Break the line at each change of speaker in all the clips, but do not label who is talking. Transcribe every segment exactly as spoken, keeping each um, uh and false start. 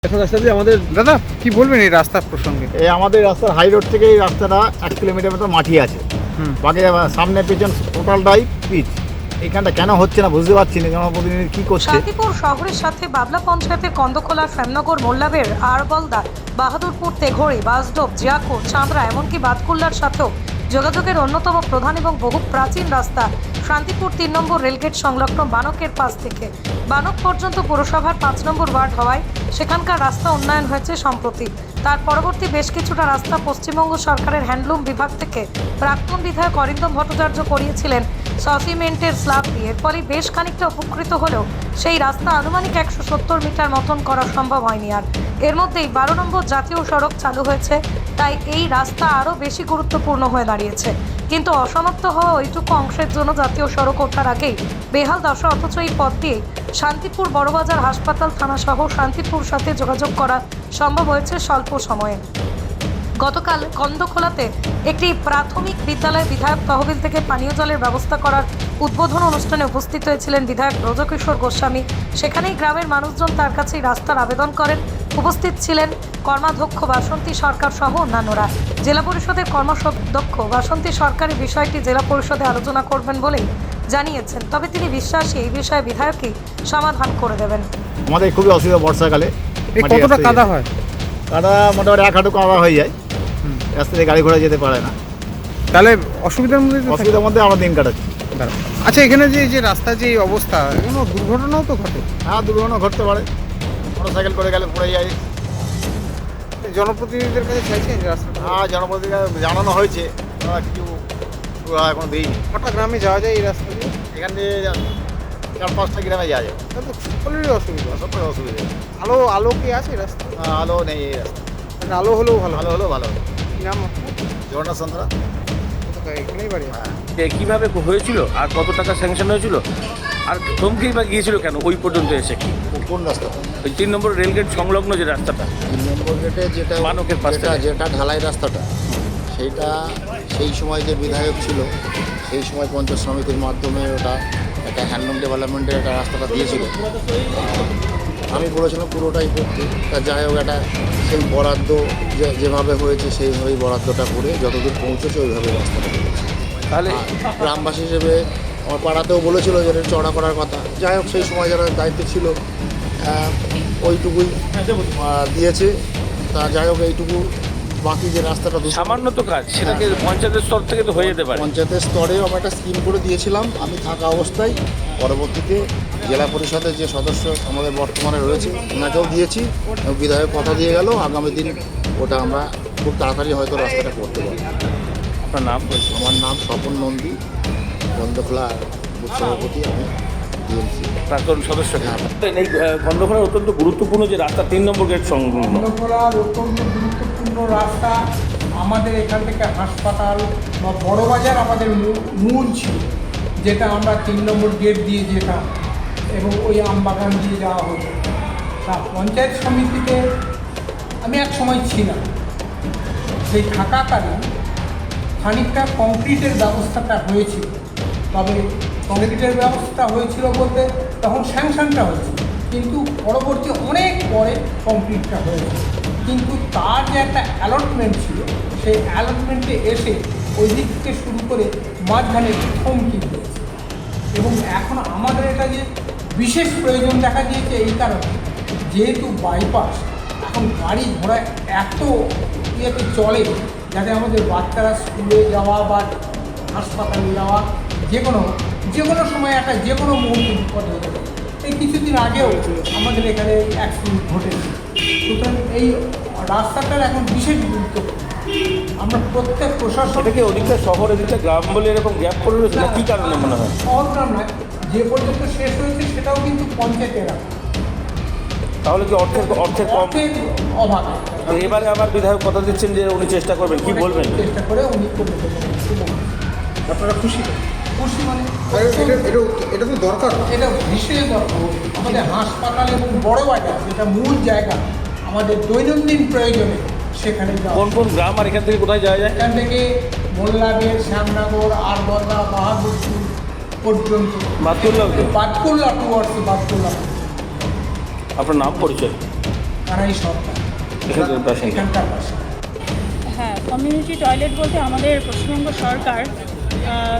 এখন রাস্তা দিয়ে আমাদের
দাদা কি বলবেন এই রাস্তার প্রসঙ্গে?
এই আমাদের রাস্তার হাই রোড থেকে এই রাস্তাটা এক কিলোমিটার মতো মাটি আছে,
হুম
বাকি সামনে পেছন টোটালটাই পিচ। এইখানটা কেন হচ্ছে না বুঝতে পারছি না, জনপ্রতিনিধি কী করছে।
শান্তিপুর শহরের সাথে বাবলা পঞ্চায়েতের কন্দখোলা, শ্যামনগর, মোল্লাবের, আরবলদা, বাহাদুরপুর, তেঘড়ি, বাসডোব, জিয়াকুর, চাঁদরা এমনকি বাতকুল্লার সাথেও যোগাযোগের অন্যতম প্রধান এবং বহু প্রাচীন রাস্তা শান্তিপুর তিন নম্বর রেলগেট সংলগ্ন বানকের পাশ থেকে বানক পর্যন্ত পুরসভার পাঁচ নম্বর ওয়ার্ড হওয়ায় সেখানকার রাস্তা উন্নয়ন হয়েছে সম্প্রতি। তার পরবর্তী বেশ কিছুটা রাস্তা পশ্চিমবঙ্গ সরকারের হ্যান্ডলুম বিভাগ থেকে প্রাক্তন বিধায়ক অরিন্দম ভট্টাচার্য করিয়েছিলেন সসিমেন্টের স্ল্যাব দিয়ে। এর ফলে বেশ খানিকটা উপকৃত হলেও সেই রাস্তা আনুমানিক একশো সত্তর মিটার মতন করা সম্ভব হয়নি। আর এর মধ্যেই বারো নম্বর জাতীয় সড়ক চালু হয়েছে, তাই এই রাস্তা আরও বেশি গুরুত্বপূর্ণ হয়ে দাঁড়িয়েছে। কিন্তু অসমাপ্ত হওয়া ওইটুকু অংশের জন্য জাতীয় সড়ক ওঠার আগেই বেহাল দশা। অথচ এই পথ দিয়ে শান্তিপুর বড়বাজার হাসপাতাল থানা সহ শান্তিপুর সাথে যোগাযোগ করা সম্ভব হয়েছে স্বল্প সময়ে। গতকাল কন্দখোলাতে একটি প্রাথমিক বিদ্যালয় বিধায়ক তহবিল থেকে পানীয় জলের ব্যবস্থা করার উদ্বোধন অনুষ্ঠানে উপস্থিত হয়েছিলেন বিধায়ক ব্রজকিশোর গোস্বামী। সেখানেই গ্রামের মানুষজন তার কাছেই রাস্তার আবেদন করেন। উপস্থিত ছিলেন কর্মাধ্যক্ষ বাসন্তী সরকার সহ অন্যান্যরা। জেলা পরিষদের কর্মাধ্যক্ষ বাসন্তী সরকারি বিষয়টি জেলা পরিষদে আলোচনা করবেন বলেই জানিয়েছেন, তবে তিনি বিশ্বাসী এই বিষয়ে বিধায়কই সমাধান করে দেবেন।
আমাদের খুবই অসুবিধা বর্ষাকালে।
এই
মাটি
কতটা
রাস্তায়
কাদা হয়?
কাদা মোটামুটি এক হাঁটু কাদা হয়ে যায়, রাস্তা দিয়ে গাড়ি ঘোড়া যেতে পারে না।
তাহলে অসুবিধার মধ্যে তো থাকি।
অসুবিধার মধ্যে আমরা দিন কাটাচ্ছি।
দাঁড়াও। আচ্ছা, এখানে যে যে রাস্তার যে এই অবস্থা, এখানে দুর্ঘটনাও তো ঘটে।
হ্যাঁ, দুর্ঘটনা ঘটতে পারে, মোটর সাইকেল করে গেলে পড়ে যায়।
জনপ্রতিনিধিদের কাছে চাইছেন যে রাস্তাটা?
হ্যাঁ, জনপ্রতিনিধি জানানো হয়েছে, তারা কিছু এখন দিইনি।
কটা গ্রামে যাওয়া যায় এই রাস্তা দিয়ে?
এখান দিয়ে চার পাঁচটা গ্রামে যাওয়া যায়,
তাহলে তো সকলেরই অসুবিধা।
সব অসুবিধা।
আলো আলো কি আছে রাস্তা?
হ্যাঁ, আলো নেই এই রাস্তা,
মানে আলো হলেও ভালো।
ভালো হলেও ভালো হবে।
কি নাম আপনার?
জগন্নাথ চন্দ্রা।
কোথায়? এখানেই বাড়ি?
হ্যাঁ,
যে কিভাবে হয়েছিল আর কত টাকা স্যাংশন হয়েছিল আর থমকেই বা গিয়েছিল কেন ওই পর্যন্ত এসে? কি
কোন রাস্তা?
ওই তিন নম্বর রেলগেট সংলগ্ন যে রাস্তাটা
তিন নম্বর গেটে যেটা
মানকের পাশ
যেটা
থেকে।
যেটা ঢালাই রাস্তাটা, সেইটা সেই সময় যে বিধায়ক ছিল সেই সময় পঞ্চায়েত সমিতির মাধ্যমে ওটা একটা হ্যান্ডলুম ডেভেলপমেন্টের একটা রাস্তাটা দিয়েছিল। আমি বলেছিলাম পুরোটাই করতে, তা যাই হোক একটা সেই বরাদ্দ যে যেভাবে হয়েছে সেইভাবেই বরাদ্দটা করে যতদূর পৌঁছেছে ওইভাবে রাস্তাটা করেছে।
তাহলে
আর গ্রামবাসী হিসেবে আমার পাড়াতেও বলেছিল যে এটা চড়া করার কথা। যাই হোক সেই সময় যারা দায়িত্বে ছিল আহ, ওইটুকুই আহ, দিয়েছে। তা যাই হোক এইটুকু বাকি যে রাস্তাটা দু
সামান্য তো কাজ, সেটাকে পঞ্চায়েতের স্তর থেকে তো হয়ে যেতে পারে।
পঞ্চায়েতের স্তরেও আমি একটা স্কিম করে দিয়েছিলাম আমি থাকা অবস্থায়। পরবর্তীতে জেলা পরিষদের যে সদস্য আমাদের বর্তমানে রয়েছে ওনাকেও দিয়েছি, এবং বিধায়ক কথা দিয়ে গেল আগামী দিন ওটা আমরা খুব তাড়াতাড়ি হয়তো রাস্তাটা করতে পারি।
আপনার নাম?
আমার নাম স্বপন নন্দী, বন্ধখোলা বুথ সভাপতি, আমি ডিএমসি।
প্রাক্তন সদস্য। এই গন্ধখোলার অত্যন্ত গুরুত্বপূর্ণ যে রাস্তা তিন নম্বর গেট সংলগ্ন,
গন্ধখোলার অত্যন্ত গুরুত্বপূর্ণ রাস্তা। আমাদের এখান থেকে হাসপাতাল বা বড়বাজার আমাদের মূ- মূল ছিল, যেটা আমরা তিন নম্বর গেট দিয়ে যেতাম এবং ওই আমবাগান দিয়ে যাওয়া হতো। তা পঞ্চায়েত সমিতিতে আমি এক সময় ছিলাম, সেই থাকাকালীন খানিকটা কংক্রিটের ব্যবস্থাটা হয়েছিল। তবে কংক্রিটের ব্যবস্থা হয়েছিল বলতে তখন স্যাংশনটা হয়েছিল, কিন্তু পরবর্তী অনেক পরে কংক্রিটটা হয়েছে। কিন্তু তার যে একটা অ্যালটমেন্ট ছিল, সেই অ্যালটমেন্টে এসে ওই দিক থেকে শুরু করে মাঝখানে থমকি দিয়েছে। এবং এখন আমাদের এটা যে বিশেষ প্রয়োজন দেখা দিয়েছে এই কারণে, যেহেতু বাইপাস এখন গাড়ি ঘোড়া এত ইয়েতে চলে, যাতে আমাদের বাচ্চারা স্কুলে যাওয়া বা হাসপাতালে যাওয়া যে কোনো যে কোনো সময় একটা যে কোনো মুহূর্তে বিপদ হতে পারে। এই কিছুদিন আগেও আমাদের এখানে অ্যাক্সিডেন্ট ঘটেছে। সুতরাং এই রাস্তাটার এখন বিশেষ গুরুত্বপূর্ণ। আমরা প্রত্যেক প্রশাসন
এটাকে অধিকটা শহর এদিকটা গ্রাম বলে এরকম গ্যাপ করে রয়েছে না, কী কারণে মনে হয়?
শহর গ্রাম নয়, যে পর্যন্ত শেষ হয়েছে সেটাও কিন্তু পঞ্চায়েতের এলাকা।
তাহলে কি অর্থের অর্থের কম?
অর্থের অভাব।
তো এবারে আবার বিধায়ক কথা দিচ্ছেন যে উনি চেষ্টা করবেন, কি বলবেন?
চেষ্টা করে উনি করে দেবেন।
আপনারা খুশি তো?
খুশি মানে
আর এটা এটা এটা তো দরকার।
এটা ভীষণ দরকার। আমাদের হাসপাতাল এবং বড় বাজার যেটা মূল জায়গা আমাদের দৈনন্দিন প্রয়োজনে, সেখানে যাওয়া।
কোন কোন গ্রাম আর এখান থেকে কোথায় যাওয়া যায়?
এখান থেকে মোল্লাবের, শ্যামনগর, আরবদা, বাহাদুরপুর পর্যন্ত,
বাতকুল্লা?
বাতকুল্লা টুয়ার্স বাতকুল্লা।
আপনার নাম পরিচয়?
তারাই সরকার
এখানকার বাসিন্দা।
এখানকার বাসিন্দা।
হ্যাঁ, কমিউনিটি টয়লেট বলতে আমাদের পশ্চিমবঙ্গ সরকার আহ,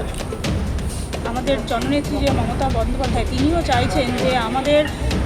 আমাদের জননেত্রী যে মমতা বন্দ্যোপাধ্যায় তিনিও চাইছেন যে আমাদের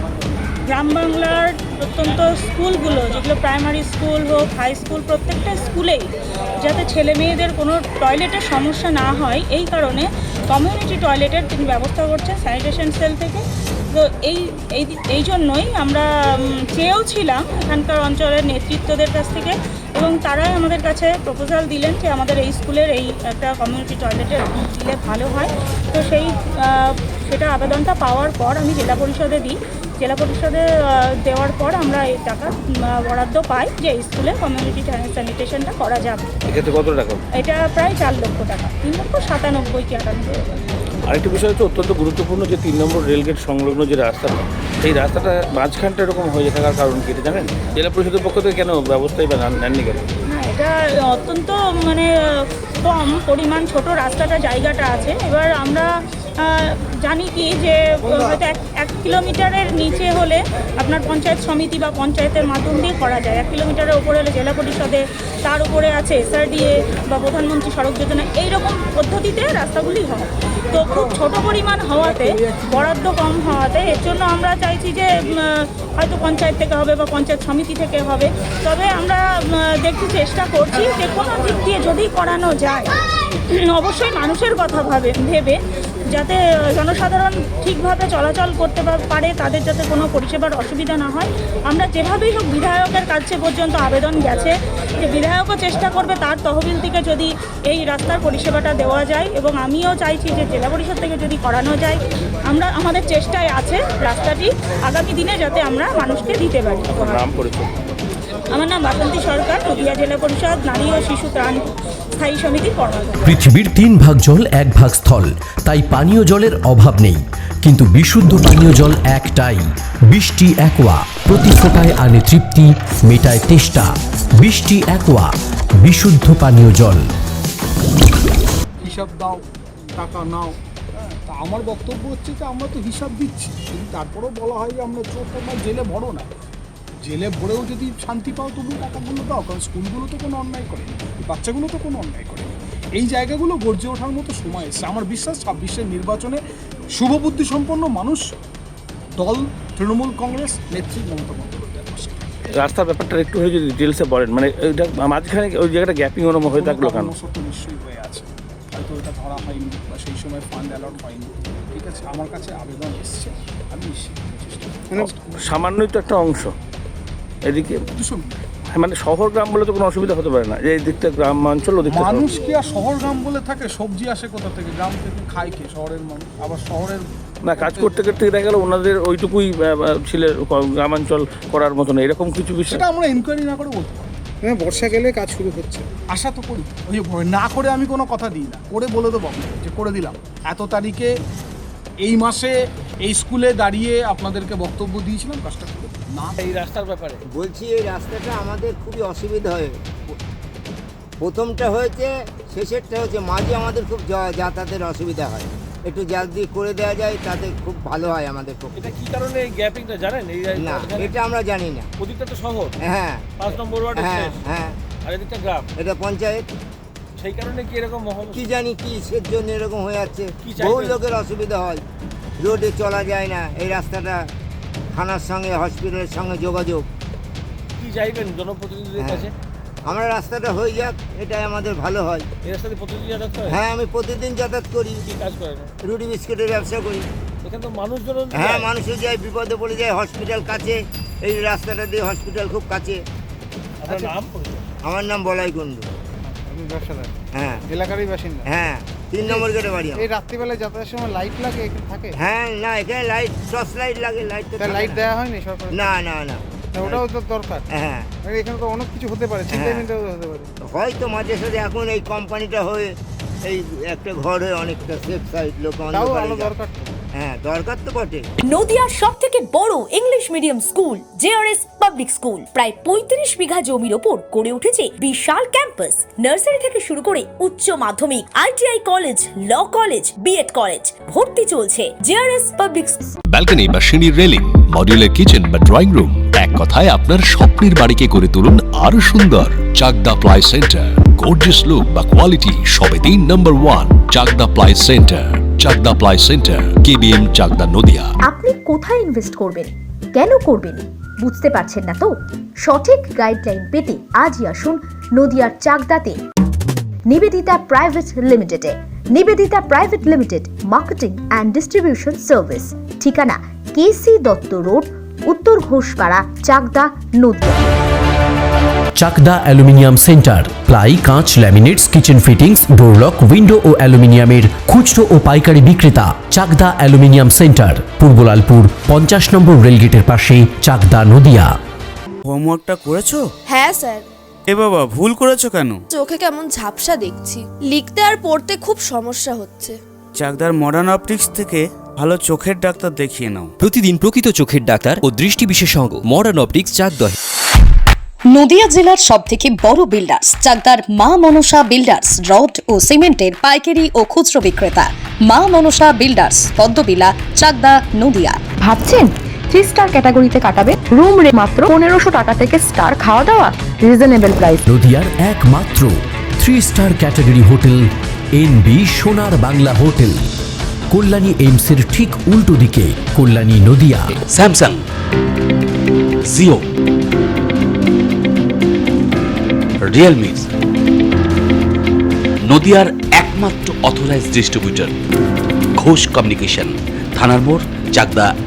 গ্রাম বাংলার প্রত্যন্ত স্কুলগুলো, যেগুলো প্রাইমারি স্কুল হোক, হাই স্কুল, প্রত্যেকটা স্কুলেই যাতে ছেলে মেয়েদের কোনো টয়লেটের সমস্যা না হয়, এই কারণে কমিউনিটি টয়লেটের তিনি ব্যবস্থা করছেন স্যানিটেশন সেল থেকে। তো এই এই এই জন্যই আমরা উম, চেয়েও ছিলাম এখানকার অঞ্চলের নেতৃত্বদের কাছ থেকে, এবং তারাই আমাদের কাছে প্রপোজাল দিলেন যে আমাদের এই স্কুলের এই একটা কমিউনিটি টয়লেটের দিলে ভালো হয়। তো সেই আহ, সেটা আবেদনটা পাওয়ার পর আমি জেলা পরিষদে দিই। জেলা পরিষদে আহ, দেওয়ার পর আমরা এই টাকা উম, বরাদ্দ পাই যে এই স্কুলে কমিউনিটি স্যানিটেশনটা করা যাবে।
এক্ষেত্রে কত টাকা?
এটা প্রায় চার লক্ষ টাকা, তিন লক্ষ সাতানব্বই কি আটানব্বই।
আরেকটি বিষয় হচ্ছে অত্যন্ত গুরুত্বপূর্ণ যে তিন নম্বর রেলগেট সংলগ্ন যে রাস্তাটা, সেই রাস্তাটা মাঝখানটা এরকম হয়ে থাকার কারণ কি এটা জানেন? জেলা পরিষদের পক্ষ থেকে কেন ব্যবস্থাই বা নেন- নেননি কেন?
না, এটা অত্যন্ত মানে কম পরিমাণ, ছোট রাস্তাটা জায়গাটা আছে। এবার আমরা আহ, জানি কি যে হয়তো এক এক কিলোমিটারের নিচে হলে আপনার পঞ্চায়েত সমিতি বা পঞ্চায়েতের মাধ্যম দিয়ে করা যায়, এক কিলোমিটারের উপরে হলে জেলা পরিষদে, তার উপরে আছে এসআরডিএ বা প্রধানমন্ত্রী সড়ক যোজনা, এইরকম পদ্ধতিতে রাস্তাগুলি হয়। তো খুব ছোট পরিমাণ হওয়াতে, বরাদ্দ কম হওয়াতে, এর জন্য আমরা চাইছি যে উম, হয়তো পঞ্চায়েত থেকে হবে বা পঞ্চায়েত সমিতি থেকে হবে। তবে আমরা উম, দেখতে চেষ্টা করছি যে কোনো দিক দিয়ে যদি করানো যায়, অবশ্যই মানুষের কথা ভাবে ভেবে, যাতে জনসাধারণ ঠিকভাবে চলাচল করতে পা- পারে, তাদের যাতে কোনো পরিষেবার অসুবিধা না হয়। আমরা যেভাবেই হোক বিধায়কের কাছে পর্যন্ত আবেদন গেছে যে বিধায়কও চেষ্টা করবে তার তহবিল থেকে যদি এই রাস্তার পরিষেবাটা দেওয়া যায়, এবং আমিও চাইছি যে জেলা পরিষদ থেকে যদি করানো যায়। আমরা আমাদের চেষ্টায় আছে রাস্তাটি আগামী দিনে যাতে আমরা মানুষকে দিতে পারি।
নাম পরিচয়?
আমার নাম বাসন্তী সরকার, নদিয়া জেলা পরিষদ নারী ও শিশু ত্রাণ স্থায়ী সমিতির কর্মকর্তা।
পৃথিবীর তিন ভাগ জল এক ভাগ স্থল, তাই পানীয় জলের অভাব নেই। কিন্তু বিশুদ্ধ পানীয় জল একটাই, বৃষ্টি অ্যাকোয়া। প্রতি ফোটায় আনে তৃপ্তি, মেটায় তেষ্টা। বৃষ্টি অ্যাকোয়া, বিশুদ্ধ পানীয় জল।
হিসাব দাও, টাকা নাও। হ্যাঁ, তা আমার বক্তব্য হচ্ছে যে আমরা তো হিসাব দিচ্ছি, কিন্তু তারপরেও বলা হয় যে আমরা চোখ তোমার জেলে ভরো না, জেলে ভরেও যদি শান্তি পাও তবু টাকাগুলো দাও, কারণ স্কুলগুলো তো কোনো অন্যায় করেনি, বাচ্চাগুলো তো কোনো অন্যায় করেনি। এই জায়গাগুলো গর্জে ওঠার মতো সময় এসছে। আমার বিশ্বাস ছাব্বিশের নির্বাচনে শুভবুদ্ধি সম্পন্ন মানুষ দল তৃণমূল কংগ্রেস নেত্রী মমতা বন্দ্যোপাধ্যায়ের পাশে।
রাস্তার ব্যাপারটা একটু হয়ে যদি ডিটেলসে বলেন, মানে ওইটা মাঝখানে ওই জায়গাটা গ্যাপিং ওরম হয়ে থাকলো কেন?
কারণবশত তো নিশ্চয়ই হয়ে আছে, হয়তো এটা ধরা হয়নি বা সেই সময় ফান্ড অ্যালট হয়নি। ঠিক আছে, আমার কাছে আবেদন এসছে, আমি নিশ্চিত চেষ্টা
মানে সামান্যই তো একটা অংশ এদিকে,
দুশো
মানে শহর গ্রাম বলে তো কোনো অসুবিধা হতে পারে না, যে এই দিকটা গ্রাম অঞ্চল, ওদিকটা শহর।
মানুষ কি আর শহর গ্রাম বলে থাকে? সবজি আসে কোথা থেকে? গ্রাম থেকে খায় কে শহরের মানুষ? আবার শহরের
না, কাজ করতে করতে দেখা গেল ওনাদের ওইটুকুই আহ, আহ, ছিল গ্রামাঞ্চল করার মতন, এরকম কিছু বিষয়।
সেটা আমরা ইনকোয়ারি না করে বলতে পারি।
মানে বর্ষা গেলে কাজ শুরু হচ্ছে।
আশা তো করি, ওই যে ভয় না করে আমি কোনো কথা দিই না, করে বলে দেবো আপনাকে যে করে দিলাম এত তারিখে এই মাসে এই স্কুলে দাঁড়িয়ে আপনাদেরকে বক্তব্য দিয়েছিলাম, কাজটা করে দিলাম। না
এই রাস্তার ব্যাপারে
বলছি, এই রাস্তাটা আমাদের খুবই অসুবিধা হয়। প্রথমটা হয়েছে, শেষেরটা হচ্ছে, মাঝে আমাদের খুব যা- যাতায়াতের অসুবিধা হয়। একটু জলদি করে দেওয়া যায় তাতে খুব ভালো হয় আমাদের পক্ষে।
এটা কি কারণে এই গ্যাপিংটা জানেন? এই
না, এটা আমরা জানি না।
ওদিকটা তো শহর,
হ্যাঁ
পাঁচ নম্বর ওয়ার্ড,
হ্যাঁ হ্যাঁ,
আর এদিকটা গ্রাম,
এটা পঞ্চায়েত।
সেই কারণে কি এরকম মহল?
কি জানি কি সের জন্য এরকম হয়ে যাচ্ছে।
কি চাইবেন?
বহু লোকের অসুবিধা হয়, রোডে চলা যায় না। এই রাস্তাটা থানার সঙ্গে, হসপিটালের সঙ্গে যোগাযোগ।
কি চাইবেন জনপ্রতিনিধিদের
হ্যাঁ।
কাছে?
আমরা রাস্তাটা হয়ে যাক, এটাই আমাদের ভালো হয়।
এই রাস্তাতে প্রতিদিন যাতায়াত করে?
হ্যাঁ, আমি প্রতিদিন যাতায়াত করি,
কি কাজ করেন?
রুটি বিস্কুটের ব্যবসা করি।
এখানে তো মানুষজন
হ্যাঁ, মানুষও যায়, বিপদে পড়ে যায়, হসপিটাল কাছে, এই রাস্তাটা দিয়ে হসপিটাল খুব কাছে।
আপনার নাম পরিচয়?
আমার নাম বলাই কুণ্ডু।
আপনি ব্যবসাদার,
হ্যাঁ
এলাকারই বাসিন্দা।
হ্যাঁ, তিন নম্বর গেটে বাড়ি আমার।
এই রাত্রিবেলায় যাতায়াতের সময় লাইট লাগে এখানে থাকে?
হ্যাঁ, না এখানে লাইট, টর্চ লাইট লাগে, লাইট তো
তাই
থাকে
লাইট
না।
দেওয়া হয়নি সরকার?
না না না,
ওটাও তো দরকার।
হ্যাঁ,
মানে এখানে তো অনেক কিছু হতে পারে, চিন্তা
হ্যাঁ।
মিন্তাও হতে পারে।
হয়তো মাঝে সাথে এখন এই কোম্পানিটা হয়ে এই একটা ঘর হয়ে অনেকটা সেফ সাইড, লোক
তাও
অন্ধকারে
আলো
যায়।
দরকার তো।
হ্যাঁ দরকার তো বটে।
নদিয়ার সব থেকে বড় English medium school JRS public school প্রায় পঁয়ত্রিশ বিঘা জমির ওপর গড়ে উঠেছে বিশাল ক্যাম্পাস। নার্সারি থেকে শুরু করে উচ্চ মাধ্যমিক, ITI college, law college, BEd college, ভর্তি চলছে জেআরএস পাবলিক।
ব্যালকনি বা সিঁড়ির রেলিং, মডিউলার কিচেন বা ড্রয়িং রুম, এক কথায় আপনার স্বপ্নের বাড়িকে করে তুলুন আরো সুন্দর। Chakdah ply centre, gorgeous look বা কোয়ালিটি সবে তিন number one. Chakdah ply centre, Chakdah ply centre, KBM, Chakdah, Nadia.
আপনি কোথায় ইনভেস্ট করবেন, কেন করবেন বুঝতে পারছেন না তো? সঠিক গাইডলাইন পেতে আজই আসুন নদিয়ার চাকদাতে নিবেদিতা প্রাইভেট লিমিটেডে। Nivedita private limited marketing and distribution service, ঠিকানা KC Dutta road, Uttar Ghoshpara, Chakdah, Nadia.
Chakdah aluminium centre, ply, কাঁচ, laminates, kitchen fittings, door lock, window ও অ্যালুমিনিয়ামের খুচরো ও পাইকারি বিক্রেতা। চাকদা অ্যালুমিনিয়াম সেন্টার, পূর্বলালপুর, পঞ্চাশ নম্বর রেলগেটের পাশে, চাকদা, নদিয়া।
হোমওয়ার্কটা করেছো?
হ্যাঁ স্যার।
এ বাবা, ভুল করেছো কেন?
চোখে কেমন ঝাপসা দেখছি, লিখতে আর পড়তে খুব সমস্যা হচ্ছে।
চাকদার মডার্ন অপটিক্স থেকে ভালো চোখের ডাক্তার দেখিয়ে নাও।
প্রতিদিন প্রকৃত চোখের ডাক্তার ও দৃষ্টি বিশেষজ্ঞ মডার্ন অপটিক্স, চাকদা।
নদিয়া জেলার সব থেকে বড় বিল্ডার্স চাকদার মা মনসা বিল্ডার্স, রড ও সিমেন্টের পাইকারি ও খুচরো বিক্রেতা। মা মনসা বিল্ডার্স, পদ্মবিলা, চাকদা, নদিয়া। ভাবছেন থ্রি স্টার ক্যাটাগরিতে কাটাবে? রুম রে মাত্র পনেরোশো টাকা থেকে স্টার, খাওয়া দাওয়া রিজনেবল প্রাইস।
নদিয়ার একমাত্র three star category hotel NB Sonar Bangla hotel, Kalyani এইমসের ঠিক উল্টো দিকে, Kalyani, Nadia.
Samsung, Jio, Realme, নদিয়ার একমাত্র অথরাইজড ডিস্ট্রিবিউটর ঘোষ কমিউনিকেশন, থানার মোড়, চাকদা।